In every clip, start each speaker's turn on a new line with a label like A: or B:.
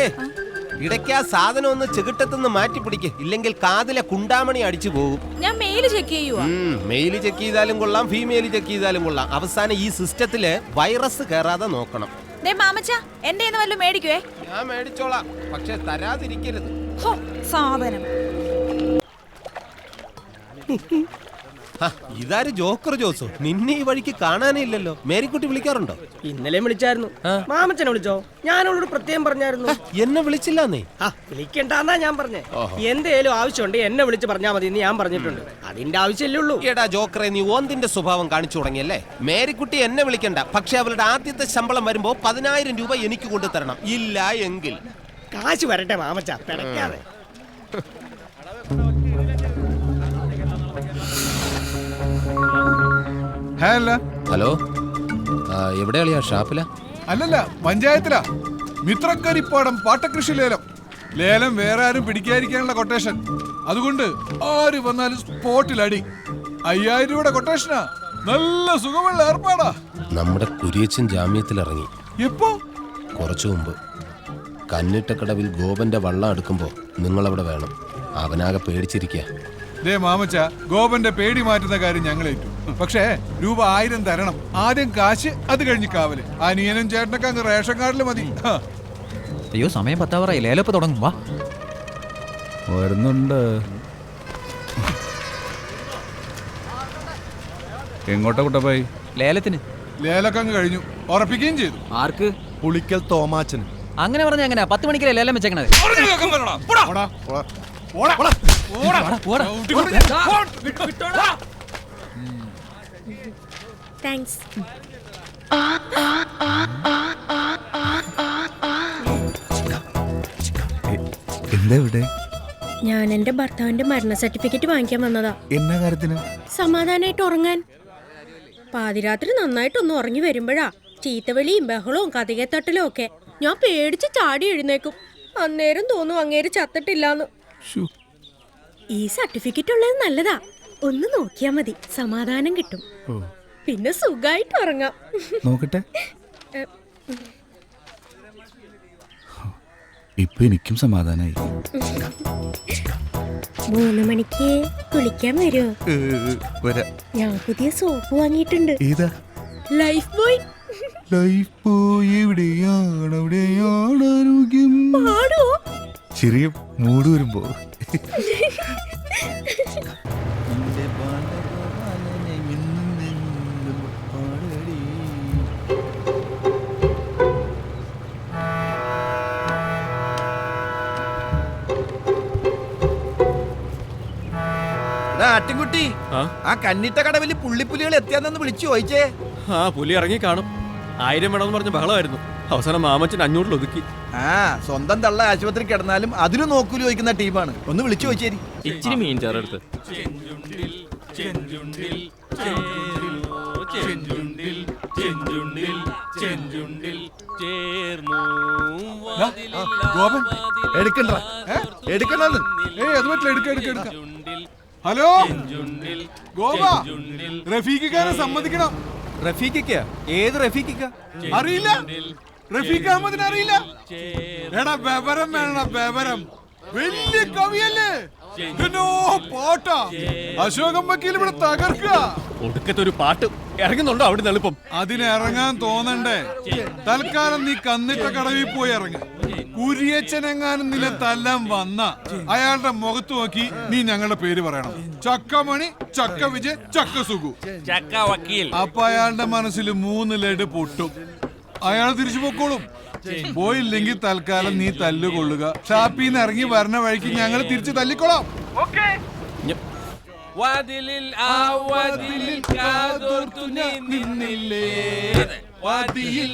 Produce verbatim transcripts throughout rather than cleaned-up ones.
A: അതെ, ഇടയ്ക്ക് ആ സാധനം ഒന്ന് ചെകിട്ടത്തുനിന്ന് മാറ്റി പിടിക്ക്, ഇല്ലെങ്കിൽ കാതിലെ കുണ്ടാമണി അടിച്ചു പോകും.
B: ഞാൻ മെയിൽ ചെക്ക് ചെയ്യുവാ.
A: മെയിൽ ചെക്ക് ചെയ്താലും കൊള്ളാം, ഫീമെയിൽ ചെക്ക് ചെയ്താലും കൊള്ളാം. അവസാനം ഈ സിസ്റ്റത്തില് വൈറസ് കയറാതെ നോക്കണം.
B: മാമച്ച എന്റെ വല്ലതും മേടിക്കുവേ.
A: ഞാൻ മേടിച്ചോളാം, പക്ഷെ തരാതിരിക്കരുത്.
B: സാധനം
A: ഇതാര് ജോക്കർ ജോസോ? നിന്നെ ഈ വഴിക്ക് കാണാനേ ഇല്ലല്ലോ. മേരിക്കുട്ടി വിളിക്കാറുണ്ടോ?
C: ഇന്നലെ വിളിച്ചായിരുന്നു. മാമച്ചനെ വിളിച്ചോ? ഞാനോട് പ്രത്യേകം പറഞ്ഞായിരുന്നു.
A: എന്നെ വിളിച്ചില്ലെന്നേ.
C: വിളിക്കണ്ടെന്നാ ഞാൻ പറഞ്ഞേ. എന്തേലും ആവശ്യമുണ്ട് എന്നെ വിളിച്ച് പറഞ്ഞാൽ മതി എന്ന് ഞാൻ പറഞ്ഞിട്ടുണ്ട്. അതിന്റെ ആവശ്യമല്ലേ ഉള്ളൂ.
A: എടാ ജോക്കറെ, നീ ഓന്തിന്റെ സ്വഭാവം കാണിച്ചു തുടങ്ങിയല്ലേ. മേരിക്കുട്ടി എന്നെ വിളിക്കണ്ട, പക്ഷെ അവളുടെ ആദ്യത്തെ ശമ്പളം വരുമ്പോ പതിനായിരം രൂപ എനിക്ക് കൊണ്ടു തരണം. ഇല്ല എങ്കിൽ
C: കാശ് വരട്ടെ മാമച്ച, പിടയ്ക്കാതെ.
A: ഹലോ, എവിടെയാ? ഷാപ്പില?
D: അല്ലല്ല, പഞ്ചായത്തിലാ. മിത്രക്കരിപ്പാടം പാട്ടകൃഷി ലേലം. ലേലം വേറെ ആരും പിടിക്കാതിരിക്കാനുള്ള കൊട്ടേഷൻ. അതുകൊണ്ട് ആര് വന്നാലും സ്പോട്ടിൽ അടി. അയ്യായിരം രൂപയുടെ കൊട്ടേഷനാ. നല്ല സുഖമുള്ള ഏർപ്പാടാ.
A: നമ്മുടെ കുരിയച്ചൻ ജാമ്യത്തിൽ ഇറങ്ങി.
D: എപ്പോ?
A: കുറച്ചു മുമ്പ്. കന്നിട്ടക്കടവിൽ ഗോപന്റെ വള്ളം എടുക്കുമ്പോ നിങ്ങളവിടെ വേണം. അവനാകെ പേടിച്ചിരിക്കുക.
D: ദേ മാമച്ച, ഗോപന്റെ പേടി മാറ്റുന്ന കാര്യം ഞങ്ങൾ ഏറ്റു. പക്ഷേ രൂപ ആയിരം തരണം. ആദ്യം കാശ്, അത് കഴിഞ്ഞ് കാവല്. അനിയനും ചേട്ടനൊക്കെ അങ്ങ് റേഷൻ കാർഡിൽ മതി.
E: അയ്യോ, സമയം പത്താവറായി. ലേലപ്പ് തുടങ്ങും. വാ,
D: വരുന്നുണ്ട്. എങ്ങോട്ടാ കുട്ടപ്പായി?
E: ലേലത്തിന്.
D: ലേലൊക്കെ അങ്ങ് കഴിഞ്ഞു, ഉറപ്പിക്കുകയും ചെയ്തു.
E: ആർക്ക്?
F: പുളിക്കൽ തോമാച്ചന്.
E: അങ്ങനെ പറഞ്ഞ എങ്ങനെയാ? പത്ത് മണിക്കല്ലേ ലേലം വെച്ചേക്കണത്?
B: താങ്ക്സ്.
F: എന്താ ഇവിടെ?
G: ഞാൻ എന്റെ ഭർത്താവിന്റെ മരണ സർട്ടിഫിക്കറ്റ് വാങ്ങിക്കാൻ വന്നതാ.
F: എന്നാ കാര്യത്തിന്?
G: സമാധാനായിട്ട് ഉറങ്ങാൻ. പാതിരാത്രി നന്നായിട്ടൊന്ന് ഉറങ്ങി വരുമ്പോഴാ ചീത്തവിളിയും ബഹളവും കഥകത്തട്ടലും ഒക്കെ. ഞാൻ പേടിച്ച് ചാടി എഴുന്നേക്കും. അന്നേരം തോന്നും അങ്ങേര് ചത്തിട്ടില്ലാന്ന്. ഈ സർട്ടിഫിക്കറ്റ് ഉള്ളത് നല്ലതാ. ഒന്ന് നോക്കിയാ മതി, സമാധാനം കിട്ടും. പിന്നെ സുഖായിട്ട് ഉറങ്ങാം.
F: നോക്കട്ടെ. ഇപ്പൊ എനിക്കും സമാധാനായി.
G: മൂന്ന് മണിക്ക് കുളിക്കാൻ വരുമോ? ഞാൻ പുതിയ സോപ്പ് വാങ്ങിയിട്ടുണ്ട്.
F: ഏതാ?
G: Life boy.
F: ലൈഫ് ബോയ് എവിടെയാണ്? എവിടെയാണ് ആരോഗ്യം?
G: പാടുവോ?
F: ചെറിയ മൂട് വരുമ്പോ.
H: ആട്ടിൻകുട്ടി, ആ കന്നിട്ട കടവിൽ പുള്ളിപ്പുലികൾ എത്തിയാന്ന് വിളിച്ചു ചോദിച്ചേ.
I: ആ പുലി ഇറങ്ങി കാണും. ആയിരം വേണമെന്ന് പറഞ്ഞ ബഹളമായിരുന്നു. അവസാനം മാമച്ചൻ അഞ്ഞൂറിൽ ഒതുക്കി.
H: ആ സ്വന്തം തള്ള ആശുപത്രി കിടന്നാലും അതിന് നോക്കൂലി ചോദിക്കുന്ന ടീമാണ്. ഒന്ന് വിളിച്ചു ചോദിച്ചേരി.
I: ഇച്ചിരി മീൻ ചേർത്ത്.
D: ഗോപൻ
H: എടുക്കണ്ട, എടുക്കണ്ടെന്ന്.
D: ഏയ് അത് പറ്റില്ല, എടുക്ക എടുക്ക എടുക്ക. ഹലോ ഗോപ, റഫീഖിക്കാരെ സമ്മതിക്കണം.
I: റഫീഖിക്ക? ഏത് റഫീഖിക്ക?
D: അറിയില്ല? റഫീഖ് അഹമ്മദിനെ അറിയില്ല? എടാ ബബരം വേണം, ബബരം. വലിയ കവിയല്ലേ? പാട്ടാ. അശോകം വക്കീൽ ഇവിടെ തകർക്കുക.
I: ഒടുക്കത്തെ ഒരു പാട്ട് ഇറങ്ങുന്നുണ്ടോ അവിടെ എളുപ്പം?
D: അതിന് ഇറങ്ങാൻ തോന്നണ്ടേ? തൽക്കാലം നീ കന്നിട്ട കടവിൽ പോയി ഇറങ്ങ. കുരിയച്ചനെങ്ങാനും നില തല്ലാൻ വന്ന അയാളുടെ മുഖത്ത് നോക്കി നീ ഞങ്ങളുടെ പേര് പറയണം. ചക്കമണി, ചക്ക വിജയ്, ചക്ക സുഖു,
I: ചക്ക വക്കീൽ.
D: അപ്പൊ അയാളുടെ മനസ്സിൽ മൂന്ന് ലഡ് പൊട്ടും. അയാൾ തിരിച്ചു പൊക്കോളും. പോയില്ലെങ്കിൽ തൽക്കാലം നീ തല്ലുകൊള്ളുക. ഷാപ്പിൽ നിന്ന് ഇറങ്ങി വരണ വഴിക്ക് ഞങ്ങൾ തിരിച്ചു തല്ലിക്കൊള്ളാം.
I: വാതിലിൽ ആ വാതിലിൽ കാതോർത്തു നീ നിന്നില്ലേ, വാതിയിൽ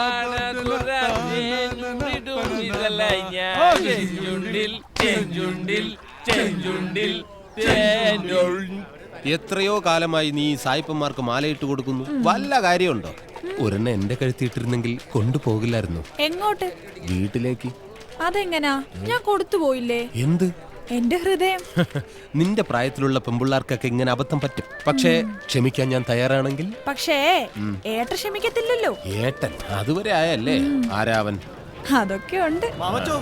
I: പാടതുറന്നിടുന്നിതലായി ഞാൻ. ചെഞ്ചുണ്ടിൽ ചെഞ്ചുണ്ടിൽ ചെഞ്ചുണ്ടിൽ തേനുൾ.
A: എത്രയോ കാലമായി നീ സായിപ്പന്മാർക്ക് മാലയിട്ട് കൊടുക്കുന്നു. വല്ല കാര്യമുണ്ടോ? ഒരെണ്ണ എന്റെ കഴുത്തിയിട്ടിരുന്നെങ്കിൽ കൊണ്ടുപോകില്ലായിരുന്നു.
B: എങ്ങോട്ട്?
A: വീട്ടിലേക്ക്.
B: അതെങ്ങനാ? ഞാൻ കൊടുത്തു പോയില്ലേ?
A: എന്ത്?
B: എന്റെ ഹൃദയം.
A: നിന്റെ പ്രായത്തിലുള്ള പെമ്പിള്ളാർക്കൊക്കെ ഇങ്ങനെ അബദ്ധം പറ്റും. പക്ഷേ ക്ഷമിക്കാൻ ഞാൻ തയ്യാറാണെങ്കിൽ.
B: പക്ഷേ ഏട്ടൻ ക്ഷമിക്കത്തില്ലല്ലോ.
A: ഏട്ടൻ അതുവരെ ആയല്ലേ? ആരാവൻ?
B: അതൊക്കെ ഉണ്ട്.
I: മാമച്ചോ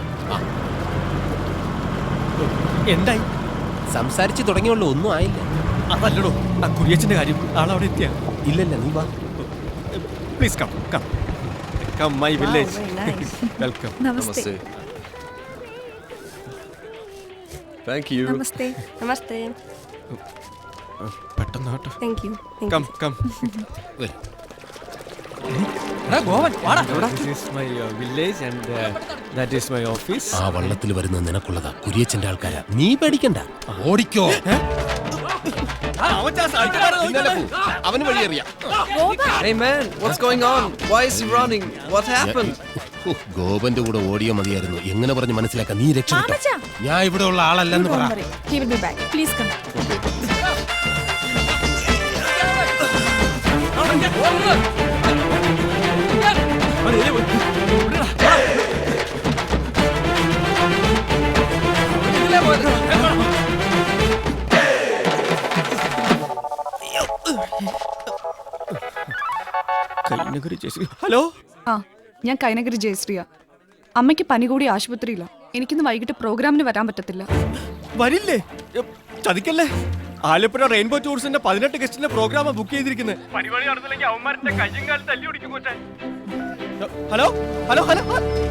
I: എന്തായി?
A: സംസാരിച്ച് തുടങ്ങിയുള്ളൂ, ഒന്നും ആയില്ല.
I: അതല്ലടോ ആ കുര്യച്ചന്റെ കാര്യം. ആളവിടെ എത്തിയ?
A: ഇല്ലല്ല, നീ വാ.
I: Please come come come my village. Welcome.
B: നമസ്തേ.
I: Thank you.
B: നമസ്തേ.
G: നമസ്തേ.
I: പെട്ടെന്ന് ആട്ടെ.
G: Thank you.
I: Come come.
A: വരൂ.
E: ഗോവൻ വാടാ.
I: This is my uh, village and uh, that is my office.
A: ആ വള്ളത്തിൽ വരുന്ന നിനക്കുള്ളതാ, കുരിയച്ചന്റെ ആൾക്കാരാ. നീ പേടിക്കണ്ട, ഓടിക്കോ. പിന്നാലെ പോ. അവന് വഴിയറിയാം.
J: Hey man, what's going on? Why is he running? What happened?
A: ഓ, ഗോപന്റെ കൂടെ ഓടിയോ മതിയായിരുന്നു. എങ്ങനെ പറഞ്ഞ് മനസ്സിലാക്കാൻ? നീ രക്ഷപ്പെട്ടോ.
B: മാമച്ചാ.
A: ഞാൻ ഇവിടെ ഉള്ള ആളല്ലെന്ന് പറ.
B: He will be back. Please come.
I: Hello,
K: ആ ഞാൻ കൈനഗിരി ജയശ്രീയ. അമ്മയ്ക്ക് പനി കൂടി ആശുപത്രിയില്ല. എനിക്കിന്ന് വൈകിട്ട് പ്രോഗ്രാമിന് വരാൻ പറ്റത്തില്ല.
I: വരില്ലേ? എ, ചതിക്കല്ലേ. ആലപ്പുഴ റെയിൻബോ ടൂറിസ്റ്റിന്റെ പതിനെട്ട് ഗസ്റ്റിന്റെ പ്രോഗ്രാം ബുക്ക് ചെയ്തിരിക്കുന്നത്. പരിപാടി നടന്നില്ലെങ്കിൽ അവന്മാരുടെ കയ്യും കാലം തല്ലി ഓടിക്കും. Hello hello hello.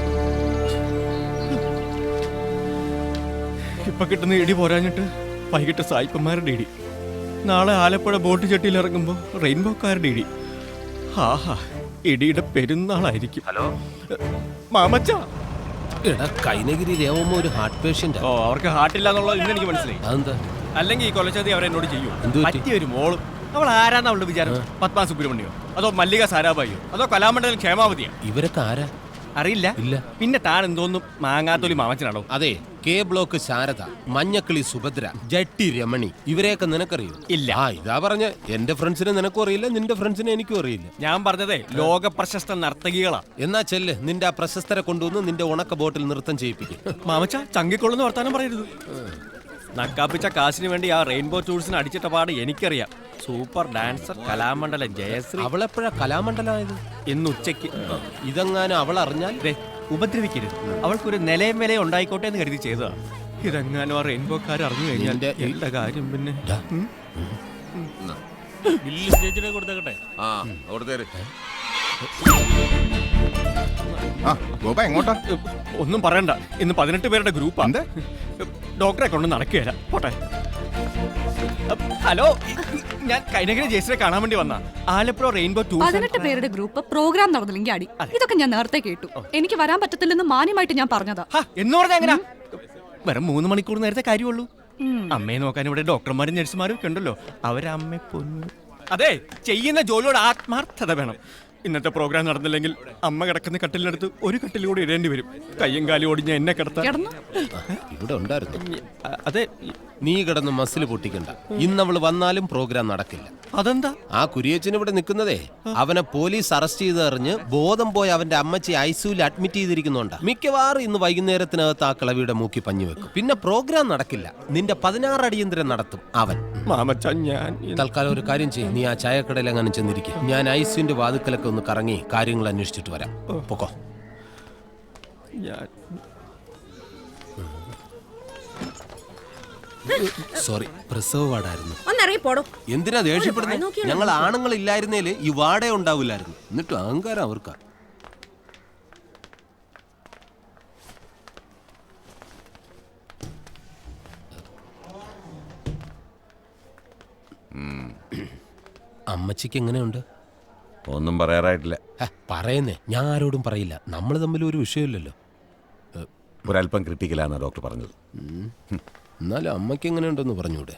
I: ഇപ്പൊ കിട്ടുന്ന ഇടി പോരാഞ്ഞിട്ട് വൈകിട്ട് സായിപ്പന്മാരുടെ ഇടി. നാളെ ആലപ്പുഴ ബോട്ട് ചെട്ടിയിൽ ഇറങ്ങുമ്പോ റെയിൻബോക്കാരുടെ ഇടി. ആഹാ, ഇടിയുടെ പെരുന്നാളായിരിക്കും. ഹലോ മാമച്ച.
A: എടാ, കൈനഗിരി രേവമ്മ ഒരു ഹാർട്ട് പേഷ്യന്റ്.
I: ഓ, അവർക്ക് ഹാർട്ടില്ല എന്നുള്ളത് ഇന്ന് എനിക്ക് മനസ്സിലായി.
A: അതെന്താ?
I: അല്ലെങ്കിൽ ഈ കൊലച്ചതി അവരെന്നോട് ചെയ്യും.
A: എന്ത് പറ്റി?
I: പറ്റിയ ഒരു മോളും. അവൾ ആരാന്ന് അവളുടെ വിചാരം? പത്മ സുബ്രഹ്മണ്യോ അതോ മല്ലിക സാരാഭായിയോ അതോ കലാമണ്ഡലം ക്ഷേമാവതിയോ?
A: ഇവരൊക്കെ ആരാ?
I: അറിയില്ല.
A: ഇല്ല.
I: പിന്നെ താൻ എന്തോന്നും മാങ്ങാത്തൊലി മാമച്ചനാണോ?
A: അതെ, കെ ബ്ലോക്ക് ശാരദ, മഞ്ഞക്കിളി സുഭദ്ര, ജട്ടി രമണി, ഇവരെയൊക്കെ നിനക്കറിയോ?
I: ഇല്ല.
A: ആ, ഇതാ പറഞ്ഞ എന്റെ ഫ്രണ്ട്സിനെ നിനക്കും അറിയില്ല, നിന്റെ ഫ്രണ്ട്സിനെ എനിക്കും അറിയില്ല.
I: ഞാൻ പറഞ്ഞതേ ലോക പ്രശസ്ത നർത്തകികളാ.
A: എന്നാ ചെല്ല്, നിന്റെ ആ പ്രശസ്തരെ കൊണ്ടുവന്ന് നിന്റെ ഉണക്ക ബോട്ടിൽ നൃത്തം ചെയ്യിപ്പിക്കും.
I: മാമച്ച ചങ്കിക്കൊള്ളുന്ന വർത്താനം പറയരുത്. നക്കാപ്പിച്ച കാശിന് വേണ്ടി ആ റെയിൻബോ ടൂൾസിന് അടിച്ചിട്ട പാട് എനിക്കറിയാം. Super dancer Kalamandalam Jayashree.
A: അവളെപ്പോഴാ കലാമണ്ഡലമായത്?
I: ഇന്ന് ഉച്ചയ്ക്ക്.
A: ഇതെങ്ങാനും അവൾ അറിഞ്ഞാൽ
I: ദേ, ഉപദ്രവിക്കരുത്. അവൾക്കൊരു നിലയും വിലയും ഉണ്ടായിക്കോട്ടെ എന്ന് കരുതി ചെയ്തതാ. ഇതെങ്ങാനും ആ റെയിൻബോക്കാർ അറിഞ്ഞു കഴിഞ്ഞാൽ
A: നിന്റെ ഈ-
I: എന്റെ കാര്യം പിന്നെ.
A: ഡാ,
F: ആ ഗോപ എങ്ങോട്ടാ?
I: ഒന്നും പറയണ്ട, ഇന്ന് പതിനെട്ട് പേരുടെ ഗ്രൂപ്പാ. ഡോക്ടറെ കൊണ്ട് നടക്കുകയല്ല. പോട്ടെ. ഹലോ, ഞാൻ കൈനഗിരി ജയശ്രീയെ കാണാൻ വേണ്ടി വന്ന ആലപ്പുഴ റെയിൻബോ ടൂർ.
K: പതിനെട്ട് പേരുടെ ഗ്രൂപ്പ് പ്രോഗ്രാം നടന്നില്ലെങ്കിൽ അടി. ഇതൊക്കെ ഞാൻ നേരത്തെ കേട്ടു. എനിക്ക് വരാൻ പറ്റത്തില്ലെന്ന് മാന്യമായിട്ട് ഞാൻ പറഞ്ഞതാ.
I: എന്ന് പറഞ്ഞാ എങ്ങനാ? വെറും മൂന്ന് മണിക്കൂർ നേരത്തെ കാര്യമുള്ളൂ. അമ്മയെ നോക്കാൻ ഇവിടെ ഡോക്ടർമാരും നഴ്സുമാരും ഒക്കെ ഉണ്ടല്ലോ. അവരമ്മ പൊന്നു. അതെ, ചെയ്യുന്ന ജോലിയോട് ആത്മാർത്ഥത വേണം. ഇന്നത്തെ പ്രോഗ്രാം നടന്നില്ലെങ്കിൽ അമ്മ കിടക്കുന്ന കട്ടിലിനടുത്ത് ഒരു കട്ടിൽ കൂടി ഇടേണ്ടി വരും. കയ്യും കാലും ഓടിഞ്ഞ എന്നെ കിടത്താൻ.
K: കിടന്നു.
A: ഇവിടെ ഉണ്ടായിരുന്നു.
I: അ- അതെ.
A: നീ കിടന്ന് മസിൽ പൊട്ടിക്കണ്ട. ഇന്നവള് വന്നാലും പ്രോഗ്രാം നടക്കില്ല.
I: അതെന്താ?
A: ആ കുരിയച്ചൻ ഇവിടെ നിൽക്കുന്നതേ അവനെ പോലീസ് അറസ്റ്റ് ചെയ്ത് അറിഞ്ഞ് ബോധം പോയി അവന്റെ അമ്മച്ചി ഐസിയുവിൽ അഡ്മിറ്റ് ചെയ്തിരിക്കുന്നുണ്ട്. മിക്കവാറും ഇന്ന് വൈകുന്നേരത്തിനകത്ത് ആ കിളവിയുടെ മൂക്കി പഞ്ഞു വെക്കും. പിന്നെ പ്രോഗ്രാം നടക്കില്ല. നിന്റെ പതിനാറ് അടിയന്തരം നടത്തും അവൻ.
I: മാമച്ച, ഞാൻ
A: തൽക്കാലം ഒരു കാര്യം ചെയ്യും. നീ ആ ചായക്കടയിൽ അങ്ങനെ ചെന്നിരിക്കും. ഞാൻ ഐസിയുന്റെ വാതുക്കലൊക്കെ ഒന്ന് കറങ്ങി കാര്യങ്ങൾ അന്വേഷിച്ചിട്ട് വരാം. പൊക്കോ.
I: ഞാൻ
A: സോറി, പ്രസവ വാർഡായിരുന്നു.
G: ഒന്നിറങ്ങി പോടോ.
A: എന്തിനാ ദേഷ്യപ്പെടുന്നത്? ഞങ്ങൾ ആണുങ്ങൾ ഇല്ലായിരുന്നേല് ഈ വാടേ ഉണ്ടാവില്ലായിരുന്നു. എന്നിട്ട് അഹങ്കാരം അവർക്കാ. അമ്മച്ചിക്ക് എങ്ങനെയുണ്ട്?
F: ഒന്നും പറയാറായിട്ടില്ല.
A: ഹ, പറയുന്നേ, ഞാൻ ആരോടും പറയില്ല. നമ്മൾ തമ്മിൽ ഒരു വിഷയമില്ലല്ലോ.
F: ഒരല്പം ക്രിട്ടിക്കലാണ് ഡോക്ടർ പറഞ്ഞത്.
A: എന്നാലും അമ്മയ്ക്ക് എങ്ങനെയുണ്ടെന്ന് പറഞ്ഞൂടെ?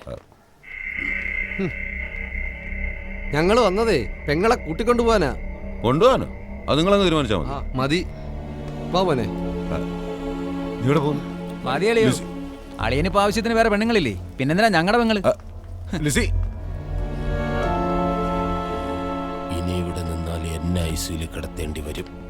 J: ഞങ്ങള് വന്നതേ പെങ്ങളെ കൂട്ടിക്കൊണ്ടു പോവാനാ.
F: കൊണ്ടുപോകാനോ? അത് നിങ്ങളങ്ങ് തീരുമാനിച്ചാൽ
J: ആ,
F: മതി.
J: മതി. വാ മോനെ.
F: നീ ഇവിടെ പോകുന്നു?
E: മതിയളിയോ? അളിയനിപ്പോ ആവശ്യത്തിന് വേറെ പെണ്ണുങ്ങളില്ലേ? പിന്നെന്തിനാ ഞങ്ങളുടെ പെങ്ങള്?
F: ലിസി,
A: ഇനി ഇവിടെ നിന്നാൽ എന്നെ ഐസിയിൽ കിടത്തേണ്ടി വരും.